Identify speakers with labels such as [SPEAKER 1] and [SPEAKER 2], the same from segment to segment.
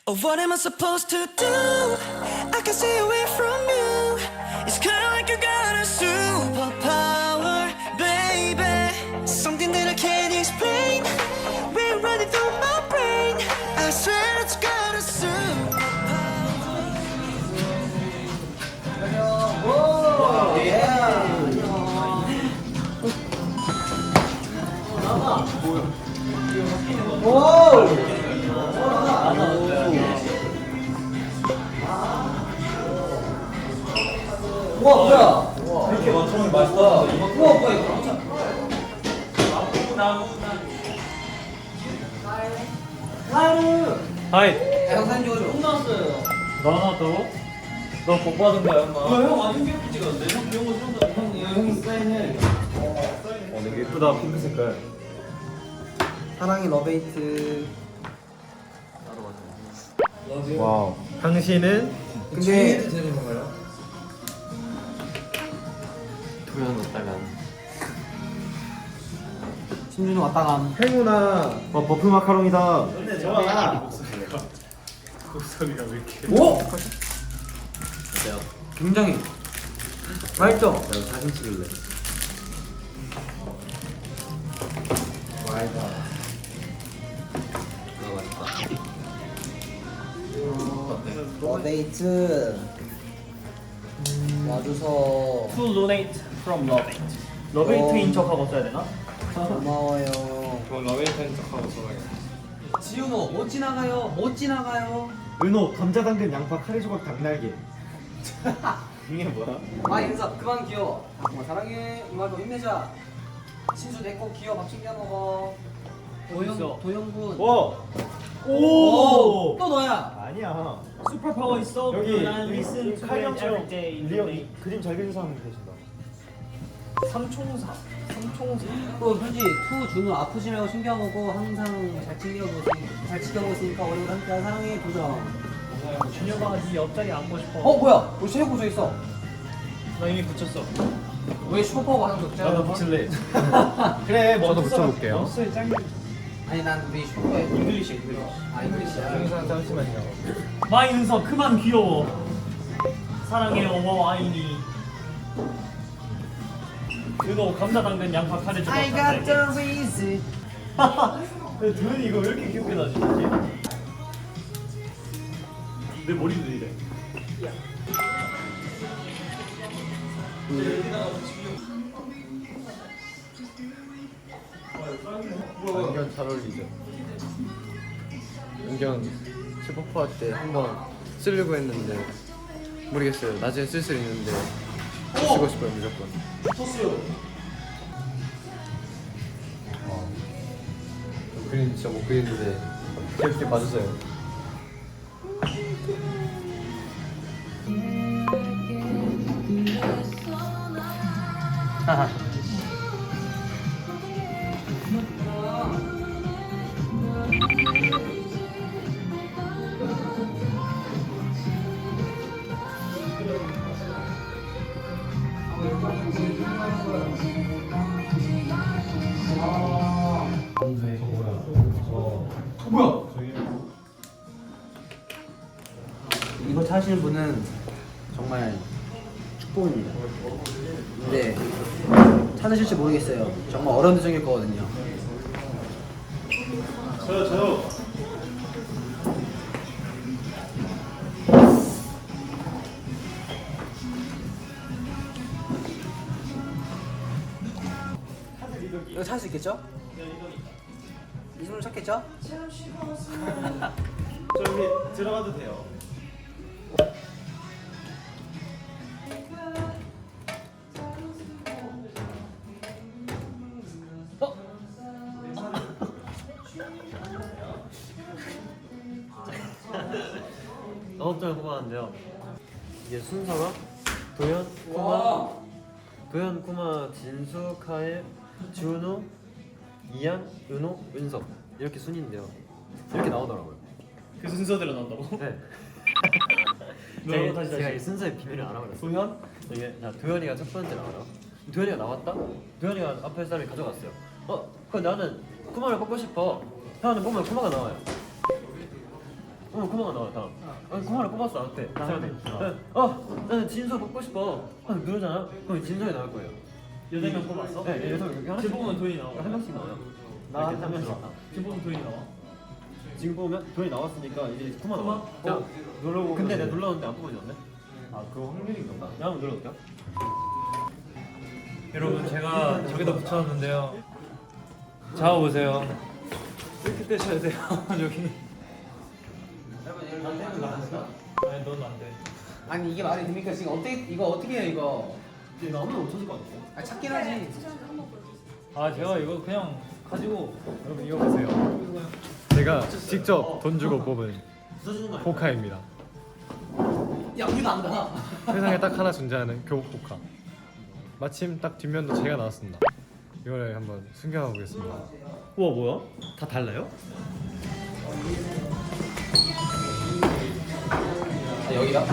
[SPEAKER 1] Oh, what am I supposed to do? I can stay away from you. It's kinda like you got a superpower, baby. Something that I can't explain. We're running through my brain. I swear it's got a superpower.
[SPEAKER 2] 우와 뭐야? 이렇게 많다면 맛있다. 우와 뭐야 이거?
[SPEAKER 3] 하이.
[SPEAKER 2] 영상 찍어줘. 홈 나왔어요.
[SPEAKER 3] 너 나왔다고? 너 복 받은 거야, 엄마.
[SPEAKER 2] 형 완전 귀엽게 찍었는데? 형 귀여운 거 형이 사인해.
[SPEAKER 3] 되게 예쁘다, 핑크 색깔.
[SPEAKER 2] 사랑이 러베이트.
[SPEAKER 3] 와우. 당신은
[SPEAKER 2] 근데 되는 건가요?
[SPEAKER 3] 도연 왔다간.
[SPEAKER 2] 신준이 왔다가
[SPEAKER 3] 행운아. 버프 마카롱이다.
[SPEAKER 2] 근데 좋아.
[SPEAKER 3] 목소리가 왜 이렇게.
[SPEAKER 2] 오! 굉장히 맛있죠?
[SPEAKER 3] 나 사진 찍을래.
[SPEAKER 2] 맛있다.
[SPEAKER 3] 맛있다.
[SPEAKER 2] 러베이트 와줘서
[SPEAKER 4] To donate from Loveit. 러베이트인 척하고 써야 되나?
[SPEAKER 2] 고마워요.
[SPEAKER 3] 그럼 러베이트인 척하고 써야겠다.
[SPEAKER 2] 지훈호 못 지나가요. 못 지나가요.
[SPEAKER 3] 은호, 감자 당근 양파 카레 조각 닭날개. 이게 뭐야?
[SPEAKER 2] 아 인사 그만 귀여워. 정말 사랑해. 이말로 힘내자. 신수 내거 귀여워. 밥 챙겨 먹어.
[SPEAKER 4] 있어?
[SPEAKER 2] 도영군.
[SPEAKER 3] 와.
[SPEAKER 2] 오! 또 너야.
[SPEAKER 3] 아니야.
[SPEAKER 4] 슈퍼파워 있어.
[SPEAKER 3] 여기
[SPEAKER 4] 난 listen to it
[SPEAKER 3] 칼럼처럼
[SPEAKER 4] every day.
[SPEAKER 3] 리얼 그림 잘 그리는 사람 계신다.
[SPEAKER 4] 삼총사.
[SPEAKER 2] 또 현지 투 준우 아프지 말고 챙겨보고 항상 잘 지켜보시니까 오래오래 함께 사랑해 도정.
[SPEAKER 4] 준혁아 네 옆자리 앉고 싶어.
[SPEAKER 2] 뭐야? 우리 체육 고조 있어.
[SPEAKER 4] 나 이미 붙였어.
[SPEAKER 2] 왜 슈퍼파워 하는 거 없잖아.
[SPEAKER 3] 나도 붙일래. 그래, 저도 붙여볼게요.
[SPEAKER 4] 머스의 짱.
[SPEAKER 2] 아니 난 우리 슈퍼에
[SPEAKER 4] 잉글리시.
[SPEAKER 2] 아 잉글리시야.
[SPEAKER 3] 영상 잠시만요.
[SPEAKER 4] 마인서 그만 귀여워. 사랑해 어머 아이니. 은호 감자 당근 양파 카레 조각.
[SPEAKER 2] I got the reason.
[SPEAKER 4] 도현이 이거 왜 이렇게 귀엽게 나지? 내 머리도 이래.
[SPEAKER 3] 안경 잘 어울리죠? 안경 슈퍼파워 때 한번 쓰려고 했는데 모르겠어요. 나중에 쓸 수 있는데 쓰고 싶어요, 무조건. 그림 진짜 못 그리는데 귀엽게 봐주세요.
[SPEAKER 2] 뭐야? 이거 타시는 분은 정말 축복입니다. 근데 찾으실지 모르겠어요. 정말 어려운 대정일 거거든요.
[SPEAKER 3] 저요.
[SPEAKER 2] 이거 찾을 수 있겠죠? 이 손으로 찾겠죠?
[SPEAKER 3] 저기 들어가도 돼요.
[SPEAKER 5] 아홉 장 뽑았는데요. 이게 순서가 도현, 쿠마, 진수, 카에, 준우, 이안, 은호, 은석 이렇게 순인데요. 이렇게 나오더라고요.
[SPEAKER 4] 그 순서대로 나온다고?
[SPEAKER 5] 네.
[SPEAKER 4] 뭐라고? 다시.
[SPEAKER 5] 제가 이 순서의 비밀을 알아버렸어요.
[SPEAKER 4] 도현?
[SPEAKER 5] 이게 자 도현이가 첫 번째 나와요. 도현이가 나왔다. 도현이가 앞에 사람이 가져갔어요. 그럼 나는 쿠마를 뽑고 싶어. 형은 뽑으면 쿠마가 나와요. 코마가 나왔다. 코마를 뽑았어 나한테. 저한테. 나는 진서 뽑고 싶어. 누르잖아. 그럼 진서이 나올 거예요.
[SPEAKER 4] 8명 뽑았어?
[SPEAKER 5] 네, 여섯 명.
[SPEAKER 4] 지금 뽑으면 돈이 나와.
[SPEAKER 5] 한 명씩 나와요.
[SPEAKER 3] 나한
[SPEAKER 5] 한 명씩.
[SPEAKER 4] 지금 뽑으면 돈이 나와.
[SPEAKER 5] 지금 보면 돈이 나왔으니까 이제 코마
[SPEAKER 4] 코마?
[SPEAKER 5] 나와. 자,
[SPEAKER 3] 눌러보고.
[SPEAKER 5] 근데 내가 눌렀는데 안 뽑아졌네.
[SPEAKER 3] 아 그거 확률인가 봐.
[SPEAKER 5] 내가 한번 눌러볼게요.
[SPEAKER 6] 여러분 제가 저기다 붙여놨는데요. 잡아보세요. 이렇게 떼셔야 돼요. 저기. 아니 넌 안 돼.
[SPEAKER 2] 아니 이게 말이 됩니까? 지금 이거 어떻게 해요 이거?
[SPEAKER 5] 나 아무나 못 찾을 것 같아.
[SPEAKER 2] 아 찾긴 하지.
[SPEAKER 6] 아 제가 이거 그냥 가지고 여러분 이거 보세요.
[SPEAKER 3] 제가 직접 돈 주고 뽑은
[SPEAKER 5] 부서지는 거 아니야?
[SPEAKER 3] 포카입니다.
[SPEAKER 2] 야 우리도 안 가.
[SPEAKER 3] 세상에 딱 하나 존재하는 교복 포카. 마침 딱 뒷면도 제가 나왔습니다. 이거를 한번 숨겨놔 보겠습니다.
[SPEAKER 5] 우와 뭐야? 다 달라요?
[SPEAKER 2] 여기가?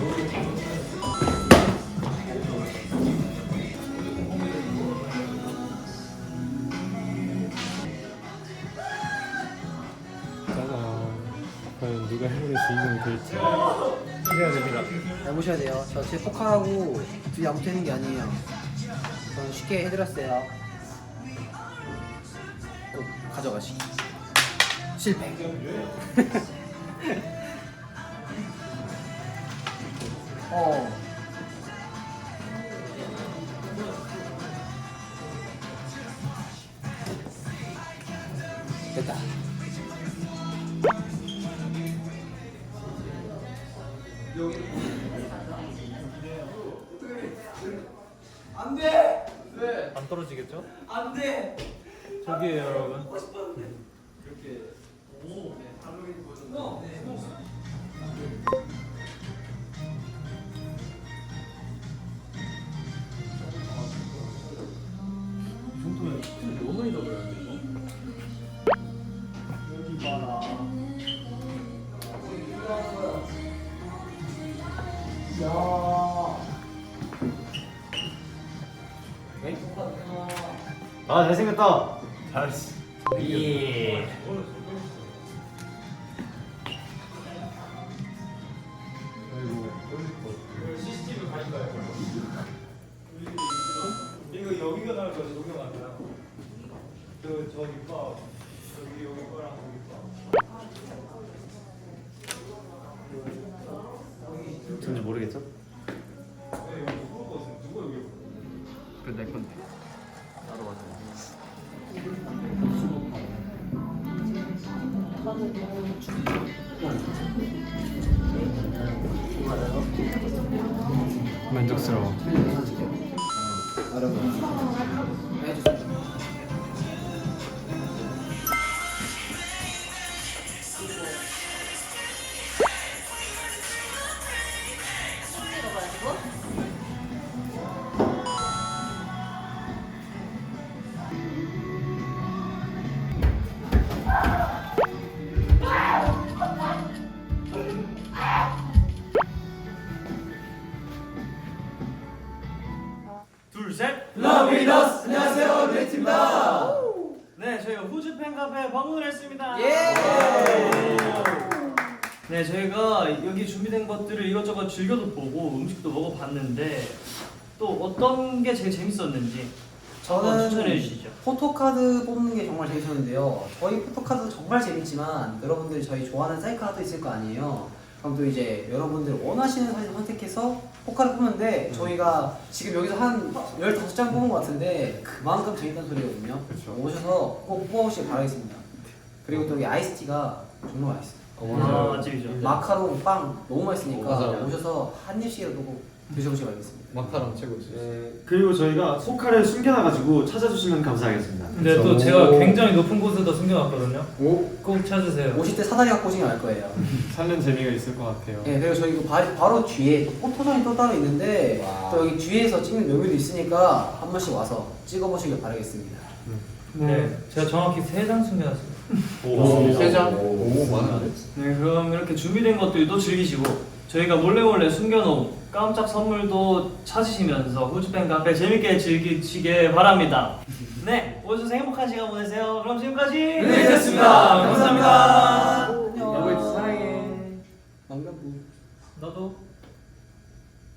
[SPEAKER 3] 짜잔. 과연 누가 행운의 주인공이 될지 기대가 됩니다.
[SPEAKER 2] 잘 보셔야 돼요. 저 제 포카하고 둘이 아무 되는 게 아니에요. 저는 쉽게 해드렸어요. 또 가져가시기. 실패. 됐다.
[SPEAKER 6] 안 떨어지겠죠?
[SPEAKER 2] 안 돼.
[SPEAKER 6] 저기에요 여러분.
[SPEAKER 5] 너무 잊어버렸네 이거.
[SPEAKER 4] 여기 봐라.
[SPEAKER 5] 아 잘생겼다.
[SPEAKER 6] 잘했어.
[SPEAKER 4] 예.
[SPEAKER 6] 이거 여기가 나올 거지 여기가 나요. 저기 봐. 여기 거랑 거기 봐.
[SPEAKER 5] 뭔지 모르겠죠?
[SPEAKER 3] 그내 건데.
[SPEAKER 5] 나도 맞아.
[SPEAKER 3] 만족스러워.
[SPEAKER 2] 여러분 해주세요.
[SPEAKER 4] 둘, 셋.
[SPEAKER 2] 러비너스 안녕하세요 레이트입니다.
[SPEAKER 4] 네, 저희가 후즈 팬카페에 방문을 했습니다.
[SPEAKER 2] 예.
[SPEAKER 4] 네, 저희가 여기 준비된 것들을 이것저것 즐겨도 보고 음식도 먹어봤는데 또 어떤 게 제일 재밌었는지 한번 추천해 주시죠.
[SPEAKER 2] 포토카드 뽑는 게 정말 재밌었는데요. 저희 포토카드 정말 재밌지만 여러분들이 저희 좋아하는 셀카도 있을 거 아니에요. 그럼 또 이제 여러분들 원하시는 사진 선택해서 포카를 뽑는데 저희가 지금 여기서 한 15장 뽑은 것 같은데 그만큼 재밌다는 소리거든요.
[SPEAKER 3] 그쵸.
[SPEAKER 2] 오셔서 꼭 뽑아보시길 바라겠습니다. 그리고 또 여기 아이스티가 정말 맛있어요.
[SPEAKER 4] 아, 맛집이죠.
[SPEAKER 2] 마카롱, 빵 너무 맛있으니까
[SPEAKER 3] 맞아요.
[SPEAKER 2] 오셔서 한 입씩이라도 꼭 드셔보시길 바라겠습니다.
[SPEAKER 3] 마카롱 최고지.
[SPEAKER 7] 그리고 저희가 포카를 숨겨놔가지고 찾아주시면 감사하겠습니다.
[SPEAKER 6] 근데 또 제가 굉장히 높은 곳에다 숨겨놨거든요.
[SPEAKER 3] 오
[SPEAKER 6] 꼭 찾으세요.
[SPEAKER 2] 오실 때 사다리 갖고 오시면 알 거예요.
[SPEAKER 3] 찾는 재미가 있을 것 같아요.
[SPEAKER 2] 네, 그리고 저희 바로 뒤에 또 포토존이 또 따로 있는데 또 여기 뒤에서 찍는 묘미도 있으니까 한 번씩 와서 찍어보시길 바라겠습니다.
[SPEAKER 6] 네, 제가 정확히 3장 숨겨놨어요.
[SPEAKER 3] 오, 세 장? 오, 많은데?
[SPEAKER 4] 네, 그럼 이렇게 준비된 것들도 즐기시고 저희가 몰래 숨겨놓은 깜짝 선물도 찾으시면서 후즈팬 카페 재밌게 즐기시길 바랍니다. 네, 오셔서 행복한 시간 보내세요. 그럼 지금까지
[SPEAKER 2] 네, 됐습니다. 감사합니다.
[SPEAKER 3] 여보, 사랑해.
[SPEAKER 2] 망가부.
[SPEAKER 5] 나도